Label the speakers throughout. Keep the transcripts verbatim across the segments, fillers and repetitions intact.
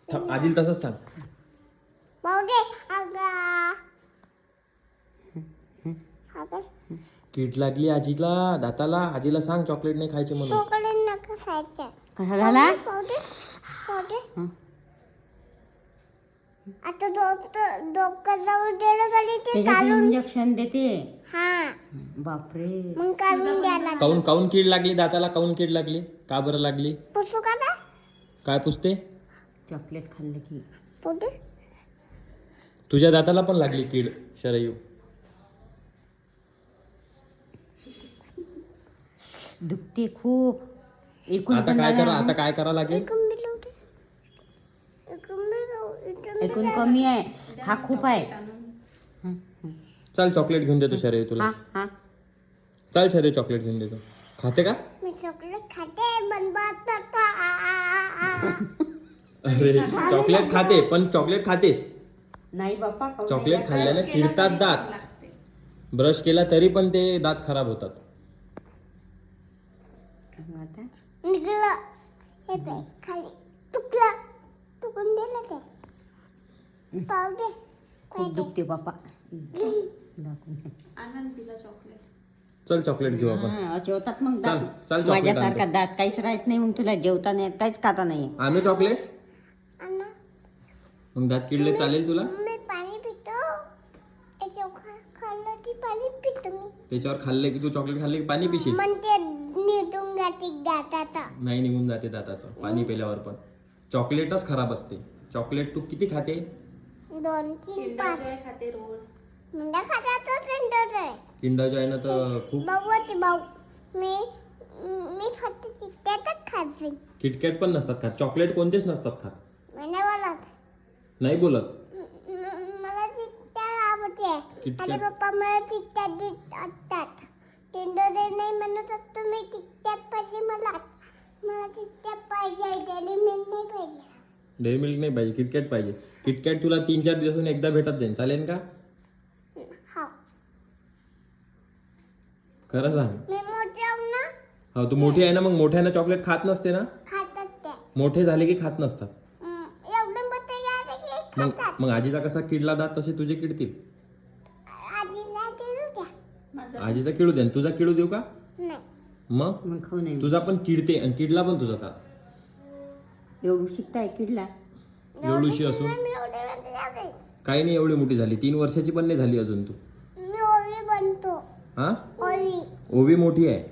Speaker 1: थांब, आजीला तसंच सांग.
Speaker 2: बावडे अगा अगं
Speaker 1: कीड लागली आजीला दाताला. आजीला सांग चॉकलेट नाही खायचे म्हणून.
Speaker 2: चॉकलेट नका खायचं.
Speaker 3: कसा झाला?
Speaker 2: बावडे बावडे
Speaker 3: हं.
Speaker 2: आता डॉक्टर डॉक्टर जाऊन गेलं कधी ते
Speaker 3: त्याच्यात
Speaker 2: काढून
Speaker 3: इंजेक्शन देते.
Speaker 2: हा
Speaker 3: बापरे.
Speaker 2: मग काढून द्यायला
Speaker 1: काऊन काऊन कीड लागली दाताला? काऊन कीड लागली? का बरं लागली?
Speaker 2: पुसू का ना
Speaker 1: काय पुसते?
Speaker 3: चॉकलेट खाल्लं की
Speaker 2: पुढे
Speaker 1: तुझ्या दाताला पण लागली कीड शरयू.
Speaker 3: दुखते खूप. एकूण
Speaker 1: आता
Speaker 3: पण
Speaker 1: काय
Speaker 3: लागला
Speaker 1: करा?
Speaker 3: ना.
Speaker 1: आता काय करा लागेल?
Speaker 2: एकूण बिलवते एकूण बिलव
Speaker 3: एकूण कमी आहे. हा खूप आहे. हं, हं.
Speaker 1: चल चॉकलेट घेऊन देतो शरयू तुला.
Speaker 3: हा हा
Speaker 1: चल शरयू चॉकलेट घेऊन देतो. खाते का?
Speaker 2: मी चॉकलेट खाते बनवत का आ आ आ आ
Speaker 1: अरे चॉकलेट खाते पण चॉकलेट खातेस.
Speaker 3: नाही बाप्पा खाऊ
Speaker 1: चॉकलेट
Speaker 3: नाही.
Speaker 1: खाल्ल्याने किडतात दात. ब्रश केला तरी पण ते दात खराब होतात.
Speaker 3: मग आता
Speaker 2: निघलं हे बाई खाली तुकलं तुकून दिलं ते पावडे
Speaker 3: खूप दुखते बाप्पा. दाखवून दे.
Speaker 1: चल चॉकलेट घेऊ आपण.
Speaker 3: हा, असे होतात मग
Speaker 1: चल,
Speaker 3: दात.
Speaker 1: चल चॉकलेट
Speaker 3: माझ्यासारखा
Speaker 1: आणतो.
Speaker 3: दात काहीच राहत नाही. मग तुला जेवता नाही येत, काहीच खाता नाही येत.
Speaker 1: आणू चॉकलेट?
Speaker 2: अन्न
Speaker 1: मग दात किडले चालेल तुला?
Speaker 2: मी पाणी पितो याच्या खाल्लं की पाणी पितो मी
Speaker 1: त्याच्यावर खाल्ले की तू चॉकलेट खाल्ले की पाणी पिशील?
Speaker 2: मग ते निघून जाते दाताचा
Speaker 1: नाही निघून जाते दाताचं पाणी पिल्यावर पण. चॉकलेटच खराब असते. चॉकलेट तू किती खाते?
Speaker 2: दोन तीन पाच
Speaker 4: खाते रोज.
Speaker 2: म्हणजे खात्याचं टेंडर आहे
Speaker 1: किंडर जॉयनं तर खूप.
Speaker 2: भाऊ होते भाऊ मी मी फक्त त्यातच खाते
Speaker 1: किटकॅट पण नसतात खात. चॉकलेट कोणतेच नसतात खात.
Speaker 2: मैंने बोला
Speaker 1: नाही बोलत.
Speaker 2: म- म- मला चिट्ट्या आवडते
Speaker 1: किटकॅट.
Speaker 2: आणि पप्पा मला चिट्ट्या देत असतात टेंडर नाही म्हणत असतो मी चिट्ट्या पाहिजे मला मला चिट्ट्या पाहिजे डेली मिल्क नाही पाहिजे
Speaker 1: डेअरी मिल्क नाही पाहिजे, किटकॅट पाहिजे. किटकॅट तुला तीन चार दिवसातून एकदा भेटत जाईल. चालेल का?
Speaker 2: हा
Speaker 1: खरं सांग.
Speaker 2: मी मोठे आहो ना
Speaker 1: हो तू मोठी आहे ना, मग मोठ्यानं चॉकलेट खात नसते ना.
Speaker 2: खातात ते
Speaker 1: मोठे झाले की खात नसतात.
Speaker 2: हम्म, एवढे मोठे झाले की
Speaker 1: मग
Speaker 2: खातात
Speaker 1: मग आजीचा कसा किडला दात तसे तुझे किडतील.
Speaker 2: आजीला देऊ द्या
Speaker 1: आजीचा किडू दे आणि तुझा किडू देऊ का?
Speaker 2: नाही
Speaker 1: मग
Speaker 3: मग खाऊ नाही.
Speaker 1: तुझा पण किडते आणि किडला पण तुझा दात.
Speaker 3: एवढं शिकताय किडला.
Speaker 1: एवढीशी असून
Speaker 2: मी एवढे मोठे झाले
Speaker 1: काही नाही. एवढी मोठी झाली, तीन वर्षाची पण नाही झाली अजून तू.
Speaker 2: मी ओवी बनतो
Speaker 1: हा
Speaker 2: ओवी
Speaker 1: ओवी मोठी आहे.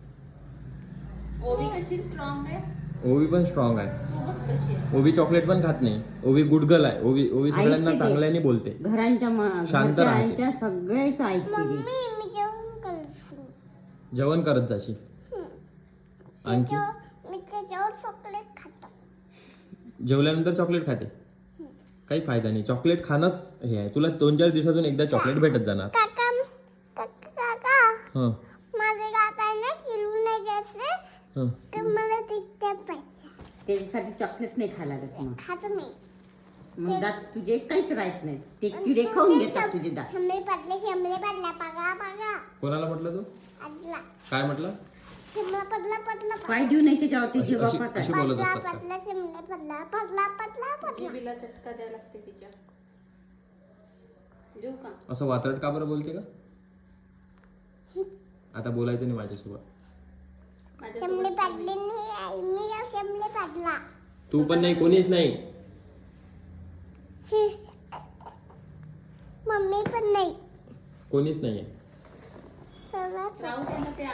Speaker 4: ओवी कशी स्ट्रॉंग आहे.
Speaker 1: ओवी पण स्ट्रॉंग आहे.
Speaker 4: तू बघ कशी आहे.
Speaker 1: ओवी चॉकलेट पण खात नाही. ओवी गुडगल आहे. ओवी ओवी सगळ्यांना
Speaker 3: ऐकते ते.
Speaker 1: चांगल्याने बोलते.
Speaker 3: घरांच्या म-
Speaker 1: शांत
Speaker 3: घरच्या
Speaker 1: राहते.
Speaker 3: आईच्या सगळेच ऐकते ती.
Speaker 2: मम्मी मी जेवण करते
Speaker 1: जेवण करत जाशील. आणखी
Speaker 2: त्याच्यावर मी त्याच्यावर चॉकलेट खातो
Speaker 1: जेवल्यानंतर चॉकलेट खाते. काही फायदा नाही. चॉकलेट खाणंच हे आहे. तुला दोन चार दिवसातून एकदा चॉकलेट भेटत जाणार.
Speaker 2: काका काका काका
Speaker 1: हं
Speaker 2: माझे काकांना फिरून नाही द्यायचे
Speaker 1: हं
Speaker 2: तर मला तिथे पाहिजे
Speaker 3: त्याच्यासाठी चॉकलेट नाही खायला लागत मग.
Speaker 2: खातो मी
Speaker 3: मग दात तुझे काहीच राहत नाही. ते किडे खाऊन घेतात तुझे दात.
Speaker 2: शंभरे पडले शंभरे पडला पगळा पगळा
Speaker 1: कोणाला म्हटलं तू?
Speaker 2: आजला
Speaker 1: काय म्हटलं?
Speaker 2: शंभरा पडला पडला
Speaker 3: पाय देऊ नाही त्याच्यावर ते
Speaker 1: अशी-
Speaker 3: जीवा
Speaker 1: अशी-
Speaker 3: पाठाय.
Speaker 1: अशी बोलत
Speaker 2: पडला
Speaker 1: असतात का?
Speaker 2: पडला शंभरे पडला पडला पडला पडला
Speaker 4: जिबीला चटका द्यावा लागते तिच्या. देऊ का?
Speaker 1: असं वात्रट का बरं बोलते का? आता बोलायचं नाही माझ्यासोबत.
Speaker 2: शंभरे पडले नाही आई, मी शंभरे पडला
Speaker 1: तू पण नाही, कोणीच नाही.
Speaker 2: मम्मी पण नाही
Speaker 1: कोणीच नाहीये.
Speaker 2: सर्वात
Speaker 4: राहू दे ना ते